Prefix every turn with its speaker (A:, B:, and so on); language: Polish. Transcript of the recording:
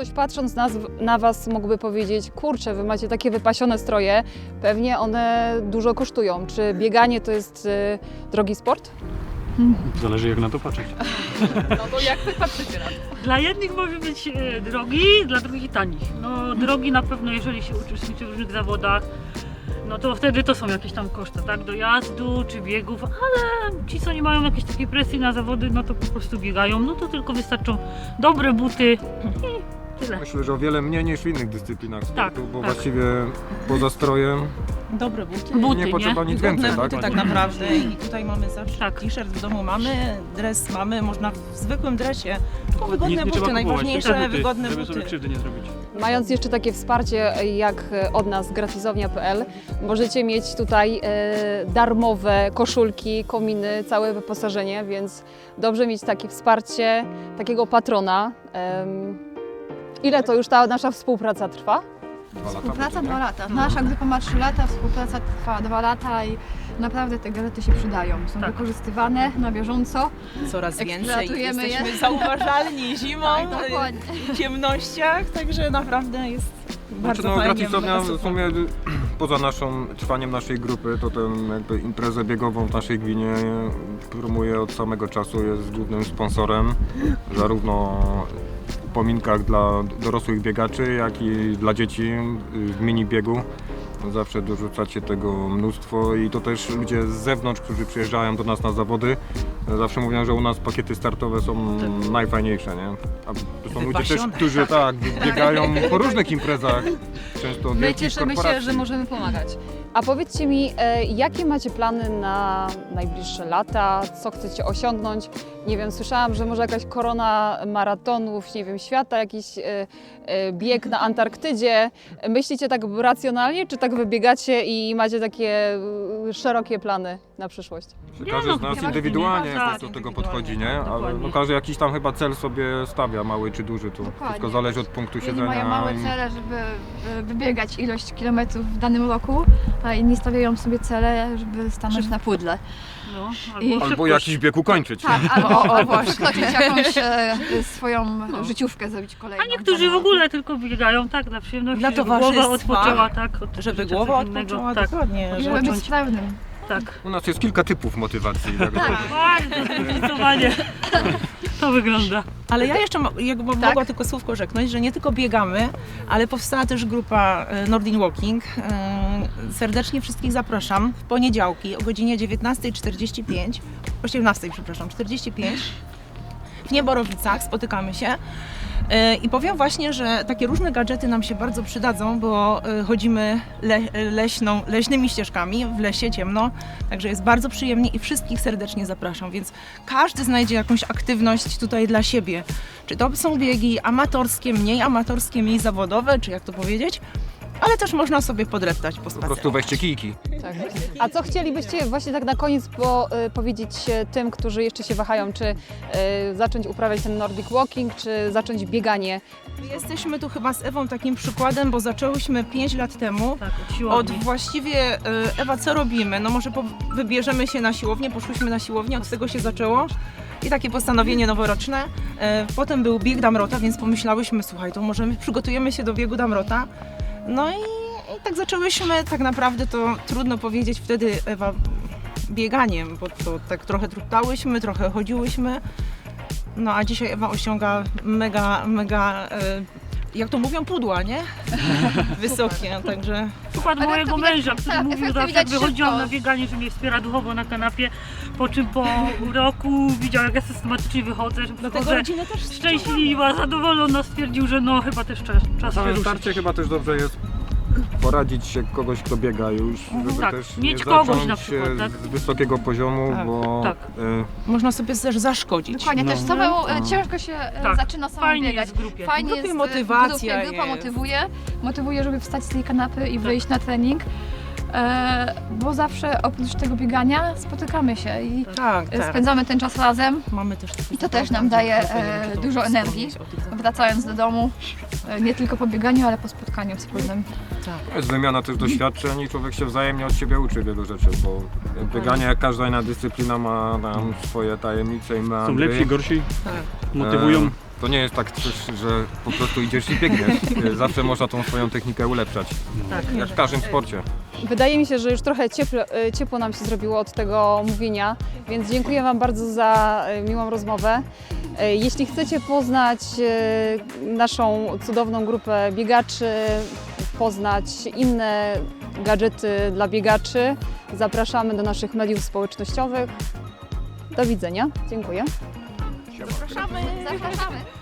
A: ktoś patrząc na Was mógłby powiedzieć, kurczę, Wy macie takie wypasione stroje, pewnie one dużo kosztują. Czy bieganie to jest drogi sport?
B: Zależy jak na to patrzeć.
A: No to jak Wy patrzycie na to?
C: Dla jednych może być drogi, dla drugich tanich. No drogi na pewno, jeżeli się uczestniczy w różnych zawodach, no to wtedy to są jakieś tam koszty, tak, dojazdu czy biegów, ale ci co nie mają jakiejś takiej presji na zawody, no to po prostu biegają, no to tylko wystarczą dobre buty i tyle.
D: Myślę, że o wiele mniej niż w innych dyscyplinach sportu,
C: Tak,
D: bo
C: tak.
D: właściwie poza strojem
E: Dobre buty.
D: nie potrzeba nic
E: Wygodne
D: więcej,
E: buty
D: tak?
E: tak naprawdę i tutaj mamy zawsze
C: Tak.
E: t-shirt w domu mamy, dres mamy, można w zwykłym dresie. Tylko
B: Nic
E: wygodne
B: nie
E: buty,
B: trzeba kupować,
E: najważniejsze
B: tylko buty,
E: wygodne
B: żeby sobie
E: buty.
B: krzywdy nie zrobić.
A: Mając jeszcze takie wsparcie jak od nas gratisownia.pl, możecie mieć tutaj darmowe koszulki, kominy, całe wyposażenie, więc dobrze mieć takie wsparcie, takiego patrona. Ile to już ta nasza współpraca trwa?
D: 2 lata
F: Współpraca
D: będzie,
F: 2
D: nie?
F: lata. Nasza grupa ma 3 lata, współpraca trwa 2 lata i naprawdę te gadżety się przydają. Są
C: Tak.
F: wykorzystywane na bieżąco.
E: Coraz więcej
F: Eksploatujemy
E: jesteśmy
F: je.
E: zauważalni zimą,
F: Tak, dokładnie.
E: w ciemnościach, także naprawdę jest bardzo
D: Znaczy, no,
E: fajnie.
D: gratisownia
E: mega
D: w
E: super.
D: sumie poza trwaniem naszej grupy, to tę jakby imprezę biegową w naszej gminie promuje od samego czasu, jest głównym sponsorem zarówno w upominkach dla dorosłych biegaczy, jak i dla dzieci w mini biegu. Zawsze dorzucacie tego mnóstwo i to też ludzie z zewnątrz, którzy przyjeżdżają do nas na zawody, zawsze mówią, że u nas pakiety startowe są najfajniejsze, nie? A to są ludzie też,
E: Wypasione.
D: którzy tak, biegają po różnych imprezach, często od
A: My
D: wielkich
A: cieszymy się,
D: korporacji.
A: że możemy pomagać. A powiedzcie mi, jakie macie plany na najbliższe lata? Co chcecie osiągnąć? Nie wiem, słyszałam, że może jakaś korona maratonów, nie wiem, świata, jakiś bieg na Antarktydzie. Myślicie tak racjonalnie, czy tak wybiegacie i macie takie szerokie plany na przyszłość?
D: Że każdy
C: no,
D: z nas
C: chyba
D: indywidualnie
C: tak,
D: jakoś do tego podchodzi, nie? Ale
C: dokładnie.
D: no, każdy jakiś tam chyba cel sobie stawia, mały czy duży, to
F: Dokładnie.
D: wszystko zależy od punktu
F: Jedni
D: siedzenia.
F: mają małe
D: i-
F: cele, żeby wybiegać ilość kilometrów w danym roku, a inni stawiają sobie cele, żeby stanąć na pudle.
C: No,
F: I-
D: Albo
C: szybkość.
D: jakiś bieg ukończyć.
F: Tak, albo przekroczyć jakąś swoją życiówkę, zrobić kolejną.
C: A niektórzy w ogóle tylko biegają tak dla przyjemności,
E: Dla
C: żeby głowa
E: towarzystwa.
C: odpoczęła, tak? Od
E: Żeby
C: życia
E: głowa
C: codziennego,
E: odpoczęła,
C: tak,
E: dokładnie.
F: Żeby być
C: zacząć.
F: sprawnym.
C: Tak.
D: U nas jest kilka typów motywacji. Tak.
C: Bardzo zdecydowanie to wygląda.
E: Ale ja jeszcze mogła tylko słówko rzeknąć, że nie tylko biegamy, ale powstała też grupa Nordin Walking. Serdecznie wszystkich zapraszam w poniedziałki o godzinie 19:45, 18:45 w Nieborowicach spotykamy się. I powiem właśnie, że takie różne gadżety nam się bardzo przydadzą, bo chodzimy leśnymi ścieżkami, w lesie ciemno, także jest bardzo przyjemnie i wszystkich serdecznie zapraszam, więc każdy znajdzie jakąś aktywność tutaj dla siebie. Czy to są biegi amatorskie, mniej zawodowe, czy jak to powiedzieć, ale też można sobie podreptać po
D: Po
E: spacerze.
D: prostu weźcie kijki.
A: Tak. A co chcielibyście właśnie tak na koniec powiedzieć tym, którzy jeszcze się wahają, czy zacząć uprawiać ten Nordic Walking, czy zacząć bieganie?
E: Jesteśmy tu chyba z Ewą takim przykładem, bo zaczęłyśmy 5 lat temu.
C: Tak, od
E: Od
C: siłowni.
E: właściwie, Ewa, co robimy? No może wybierzemy się na siłownię, poszłyśmy na siłownię, od tego się zaczęło. I takie postanowienie noworoczne. Potem był bieg Damrota, więc pomyślałyśmy, słuchaj, to może my przygotujemy się do biegu Damrota. No i tak zaczęłyśmy, tak naprawdę to trudno powiedzieć wtedy, Ewa, bieganiem, bo to tak trochę truptałyśmy, trochę chodziłyśmy. No a dzisiaj Ewa osiąga mega, jak to mówią, pudła, nie? Wysokie, także...
C: Przykład
F: Ale
C: mojego
F: to widać-
C: męża, który
F: tak,
C: mówił
F: efekty
C: zawsze,
F: widać
C: jak wychodziłam
F: szybko.
C: na bieganie, że mnie wspiera duchowo na kanapie, po czym po roku widział, jak ja systematycznie wychodzę, że
E: Dlatego
C: przychodzę
E: rodzinę też
C: szczęśliwa, zadowolona, stwierdził, że no chyba też czas
D: Na
C: się
D: samym
C: ruszyć.
D: starcie chyba też dobrze jest poradzić się kogoś, kto biega już, żeby
C: Tak,
D: też
C: mieć
D: nie
C: kogoś
D: zacząć
C: na przykład,
D: się
C: tak?
D: z wysokiego poziomu,
E: Tak,
D: bo
C: tak.
E: Można sobie też zaszkodzić.
F: Dokładnie, też
B: No.
F: samemu ciężko się
C: Tak,
F: zaczyna samemu
C: fajnie
F: biegać.
C: jest w grupie.
F: Fajnie
E: W grupie
F: jest
E: motywacja
F: w grupie, grupa
E: jest.
F: motywuje, żeby wstać z tej kanapy i
C: Tak.
F: wyjść na trening. Bo zawsze oprócz tego biegania spotykamy się i
E: Tak, tak.
F: spędzamy ten czas razem.
E: Mamy też takie
F: I to też
E: spotkania,
F: nam daje,
E: gdzie nie wiem, czy to
F: dużo energii.
E: wspomnieć o tych zawodach.
F: Wracając do domu, nie tylko po bieganiu, ale po spotkaniu wspólnym.
D: jest wymiana też doświadczeń i człowiek się wzajemnie od siebie uczy wielu rzeczy, bo bieganie, jak każda inna dyscyplina, ma tam swoje tajemnice i
B: Są
D: meandry.
B: lepsi, gorsi,
E: Tak.
B: motywują.
D: To nie jest tak coś, że po prostu idziesz i biegniesz. Zawsze można tą swoją technikę ulepszać.
C: Tak.
D: Jak w każdym sporcie.
A: Wydaje mi się, że już trochę ciepło nam się zrobiło od tego mówienia, więc dziękuję Wam bardzo za miłą rozmowę. Jeśli chcecie poznać naszą cudowną grupę biegaczy, poznać inne gadżety dla biegaczy, zapraszamy do naszych mediów społecznościowych. Do widzenia. Dziękuję.
F: Zapraszamy!